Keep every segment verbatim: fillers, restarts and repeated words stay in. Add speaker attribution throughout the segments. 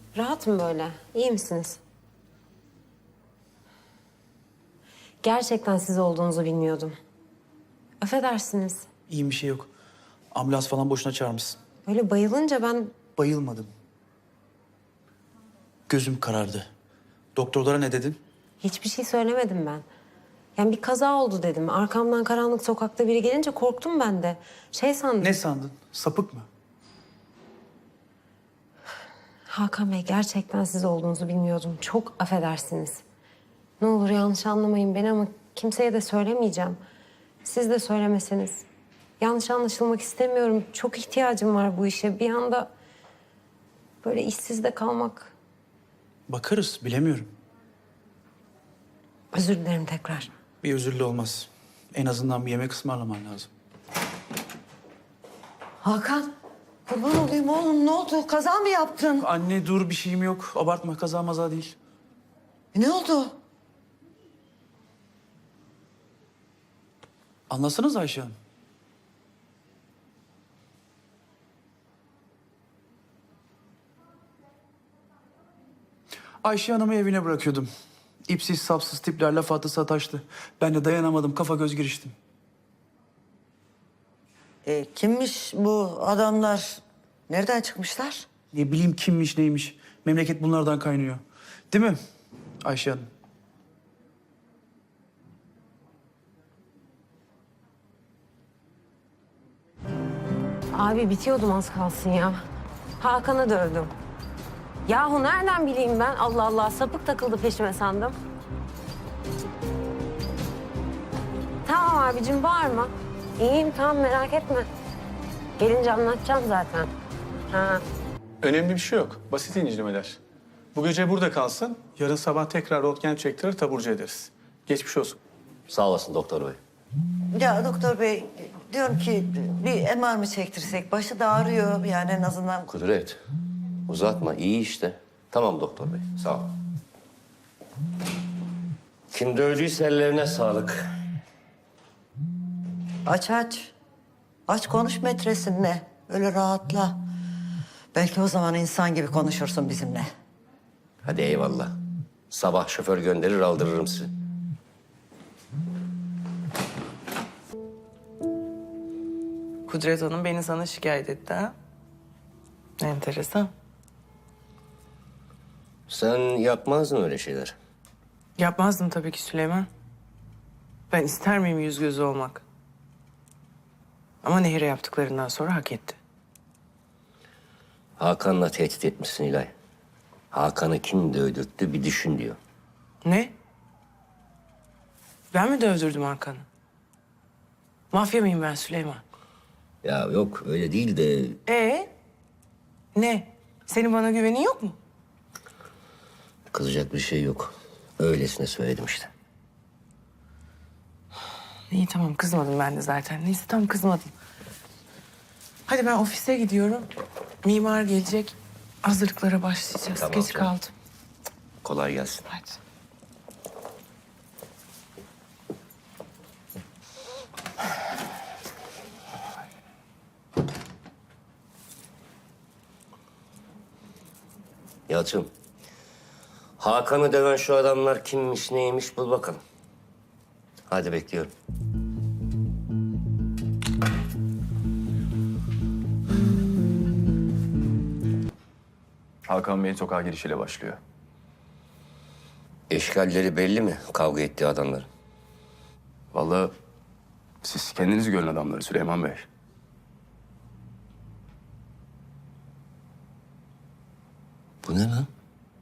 Speaker 1: Rahat mı böyle? İyi misiniz? Gerçekten siz olduğunuzu bilmiyordum. Affedersiniz.
Speaker 2: İyiyim, bir şey yok. Ambulans falan boşuna çağırmışsın.
Speaker 1: Böyle bayılınca ben...
Speaker 2: Bayılmadım. Gözüm karardı. Doktorlara ne dedin?
Speaker 1: Hiçbir şey söylemedim ben. Yani bir kaza oldu dedim. Arkamdan karanlık sokakta biri gelince korktum ben de. Şey sandım.
Speaker 2: Ne sandın? Sapık mı?
Speaker 1: Hakan Bey, gerçekten siz olduğunuzu bilmiyordum. Çok affedersiniz. Ne olur yanlış anlamayın beni ama kimseye de söylemeyeceğim. Siz de söylemeseniz. Yanlış anlaşılmak istemiyorum. Çok ihtiyacım var bu işe. Bir anda böyle işsiz de kalmak.
Speaker 2: Bakarız, bilemiyorum.
Speaker 1: Özür dilerim tekrar.
Speaker 2: Bir özürlü olmaz. En azından bir yemek ısmarlaman lazım.
Speaker 3: Hakan, kurban olayım oğlum. Ne oldu? Kaza mı yaptın?
Speaker 2: Anne dur, bir şeyim yok. Abartma, kaza maza değil.
Speaker 3: E, ne oldu?
Speaker 2: Anlasanız Ayşe Hanım. Ayşe Hanım'ı evine bırakıyordum. İpsiz sapsız tipler laf attı sataştı. Ben de dayanamadım, kafa göz giriştim.
Speaker 3: E, kimmiş bu adamlar? Nereden çıkmışlar?
Speaker 2: Ne bileyim kimmiş neymiş. Memleket bunlardan kaynıyor. Değil mi Ayşe Hanım?
Speaker 1: Abi bitiyordum az kalsın ya. Hakan'ı dövdüm. Yahu nereden bileyim ben? Allah Allah, sapık takıldı peşime sandım. Tamam abicim, bağırma. İyiyim, tamam, merak etme. Gelince anlatacağım zaten. Ha.
Speaker 4: Önemli bir şey yok. Basit incelemeler. Bu gece burada kalsın. Yarın sabah tekrar röntgen çektirir, taburcu ederiz. Geçmiş olsun.
Speaker 5: Sağ olasın doktor bey.
Speaker 3: Ya doktor bey, diyorum ki bir M R mı çektirsek? Başı da ağrıyor yani en azından.
Speaker 5: Kudret, uzatma. iyi işte. Tamam doktor bey, sağ ol. Kim dövdüyse ellerine sağlık.
Speaker 3: Aç aç. Aç konuş metresinle. Öyle rahatla. Belki o zaman insan gibi konuşursun bizimle.
Speaker 5: Hadi eyvallah. Sabah şoför gönderir aldırırım sizi.
Speaker 6: Kudret Hanım beni sana şikayet etti ha? Enteresan.
Speaker 5: Sen yapmazdın öyle şeyler.
Speaker 6: Yapmazdım tabii ki Süleyman. Ben ister miyim yüz gözü olmak? Ama Nehir'e yaptıklarından sonra hak etti.
Speaker 5: Hakan'la tehdit etmişsin İlay. Hakan'ı kim dövdürttü bir düşün diyor.
Speaker 6: Ne? Ben mi dövdürdüm Hakan'ı? Mafya mıyım ben Süleyman?
Speaker 5: Ya yok öyle değil de
Speaker 6: Ee? Ne? Senin bana güvenin yok mu?
Speaker 5: kızacak bir şey yok. Öylesine söyledim işte.
Speaker 6: İyi tamam, kızmadım ben de zaten. Neyse tam kızmadım. Hadi ben ofise gidiyorum. Mimar gelecek. Hazırlıklara başlayacağız.
Speaker 5: Tamam,
Speaker 6: Geç
Speaker 5: tamam.
Speaker 6: kaldım.
Speaker 5: Kolay gelsin.
Speaker 6: Hadi.
Speaker 5: Yalçın. Hakan'ı döven şu adamlar kimmiş neymiş bul bakalım. Hadi bekliyorum.
Speaker 7: Hakan Bey'in sokağa girişiyle başlıyor.
Speaker 5: Eşkalleri belli mi kavga ettiği adamların?
Speaker 7: Vallahi siz kendiniz görün adamları Süleyman Bey.
Speaker 5: Bu ne lan?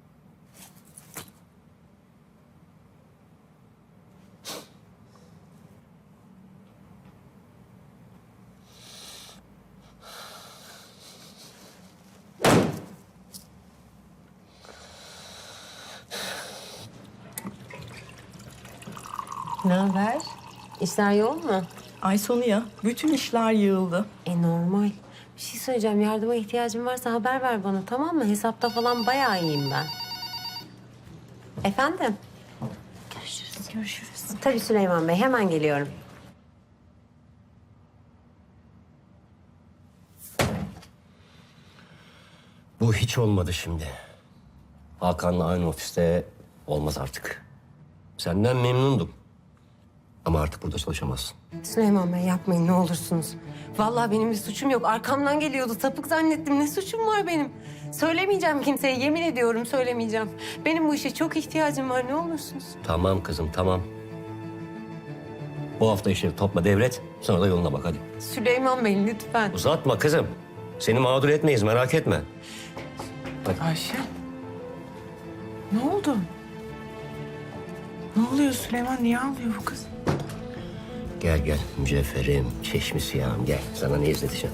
Speaker 1: Ne haber? İşler yoğun mu?
Speaker 8: Ay sonu ya. Bütün işler yığıldı.
Speaker 1: E normal. Bir şey söyleyeceğim. Yardıma ihtiyacın varsa haber ver bana, tamam mı? Hesapta falan bayağı iyiyim ben. Efendim? Görüşürüz. Görüşürüz. Tabii Süleyman Bey. Hemen geliyorum.
Speaker 5: Bu hiç olmadı şimdi. Hakan'la aynı ofiste olmaz artık. Senden memnundum. Ama artık burada çalışamazsın.
Speaker 1: Süleyman Bey yapmayın ne olursunuz. Vallahi benim bir suçum yok. Arkamdan geliyordu. Sapık zannettim. Ne suçum var benim? Söylemeyeceğim kimseye. Yemin ediyorum söylemeyeceğim. Benim bu işe çok ihtiyacım var. Ne olursunuz.
Speaker 5: Tamam kızım, tamam. Bu hafta işleri topla devret, sonra da yoluna bak hadi.
Speaker 1: Süleyman Bey lütfen.
Speaker 5: Uzatma kızım. Seni mağdur etmeyiz, merak etme.
Speaker 6: Ayşe. Ne oldu? Ne oluyor Süleyman? Niye ağlıyor bu kız?
Speaker 5: Gel gel mücevherim, çeşmi siyahım gel. Sana ne izleteceğim?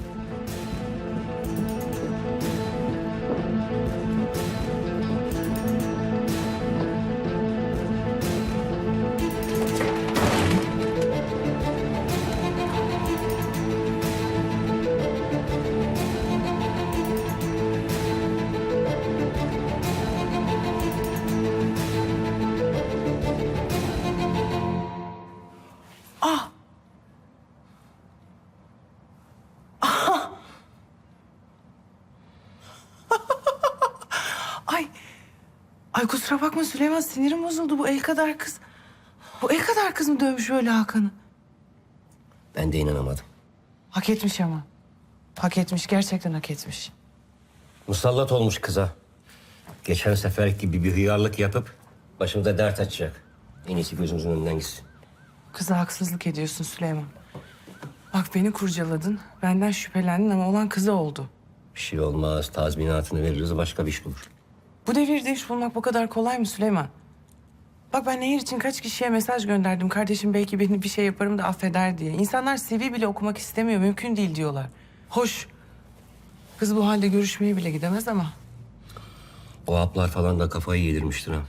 Speaker 6: Ay. Ay kusura bakma Süleyman, sinirim bozuldu. Bu el kadar kız. Bu el kadar kız mı dövmüş böyle Hakan'ı?
Speaker 5: Ben de inanamadım.
Speaker 6: Hak etmiş ama. Hak etmiş, gerçekten hak etmiş.
Speaker 5: Musallat olmuş kıza. Geçen sefer gibi bir hıyarlık yapıp başımıza dert açacak. En iyisi gözümüzün önünden gitsin.
Speaker 6: Kıza haksızlık ediyorsun Süleyman. Bak beni kurcaladın, benden şüphelendin ama olan kıza oldu.
Speaker 5: Bir şey olmaz, tazminatını veririz, başka bir iş bulur.
Speaker 6: Bu devirde iş bulmak bu kadar kolay mı Süleyman? Bak ben Nehir için kaç kişiye mesaj gönderdim. Kardeşim belki beni bir şey yaparım da affeder diye. İnsanlar C V bile okumak istemiyor, mümkün değil diyorlar. Hoş, kız bu halde görüşmeye bile gidemez ama.
Speaker 5: O haplar falan da kafayı yedirmiştir ha.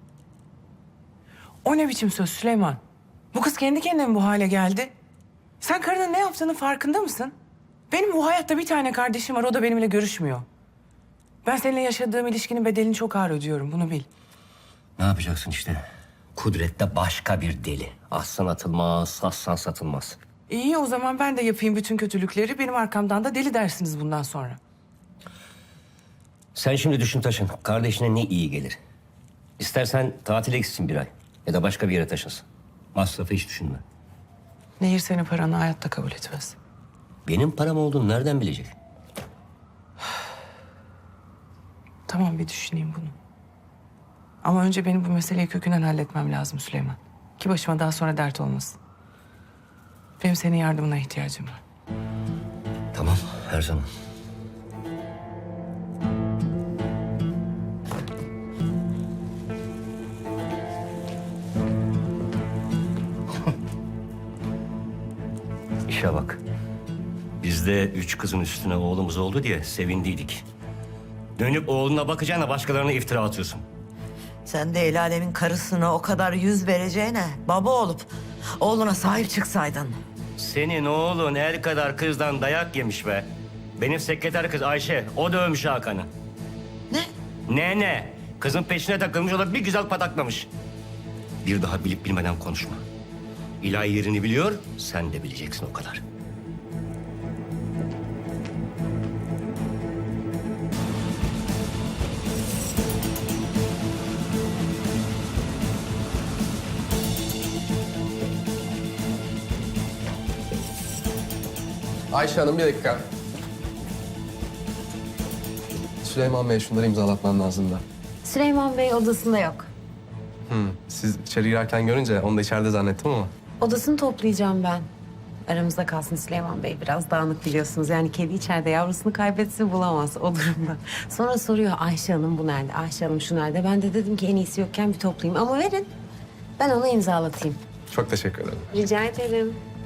Speaker 6: O ne biçim söz Süleyman? Bu kız kendi kendine mi bu hale geldi? Sen karının ne yaptığının farkında mısın? Benim bu hayatta bir tane kardeşim var, o da benimle görüşmüyor. Ben seninle yaşadığım ilişkinin bedelini çok ağır ödüyorum, bunu bil.
Speaker 5: Ne yapacaksın işte? Kudret'te başka bir deli. Aslan atılmaz, sassan satılmaz.
Speaker 6: İyi o zaman ben de yapayım bütün kötülükleri. Benim arkamdan da deli dersiniz bundan sonra.
Speaker 5: Sen şimdi düşün taşın. Kardeşine ne iyi gelir? İstersen tatile gitsin bir ay. Ya da başka bir yere taşınsın. Masrafı hiç düşünme.
Speaker 6: Nehir senin paranı hayatta kabul etmez.
Speaker 5: Benim param olduğunu nereden bilecek?
Speaker 6: Tamam bir düşüneyim bunu. Ama önce benim bu meseleyi kökünden halletmem lazım Süleyman. Ki başıma daha sonra dert olmasın. Benim senin yardımına ihtiyacım var.
Speaker 5: Tamam, her zaman. İşe bak. Biz de üç kızın üstüne oğlumuz oldu diye sevindiydik. Dönüp oğluna bakacağına başkalarına iftira atıyorsun.
Speaker 3: Sen de el alemin karısına o kadar yüz vereceğine baba olup oğluna sahip çıksaydın.
Speaker 5: Senin oğlun el kadar kızdan dayak yemiş be. Benim sekreter kız Ayşe, o dövmüş Hakan'ı.
Speaker 3: Ne?
Speaker 5: Ne ne? Kızın peşine takılmış, o da bir güzel pataklamış. Bir daha bilip bilmeden konuşma. İlahi yerini biliyor, sen de bileceksin o kadar.
Speaker 9: Ayşe Hanım bir dakika. Süleyman Bey şunları imzalatman lazım da.
Speaker 1: Süleyman Bey odasında yok.
Speaker 9: Hmm, siz içeri girerken görünce onu da içeride zannettim ama.
Speaker 1: Odasını toplayacağım ben. Aramızda kalsın Süleyman Bey. Biraz dağınık biliyorsunuz. Yani kedi içeride yavrusunu kaybetse bulamaz o durumda. Sonra soruyor Ayşe Hanım bu nerede? Ayşe Hanım şu nerede? Ben de dedim ki en iyisi yokken bir toplayayım. Ama verin. Ben onu imzalatayım.
Speaker 9: Çok teşekkür ederim.
Speaker 1: Rica ederim.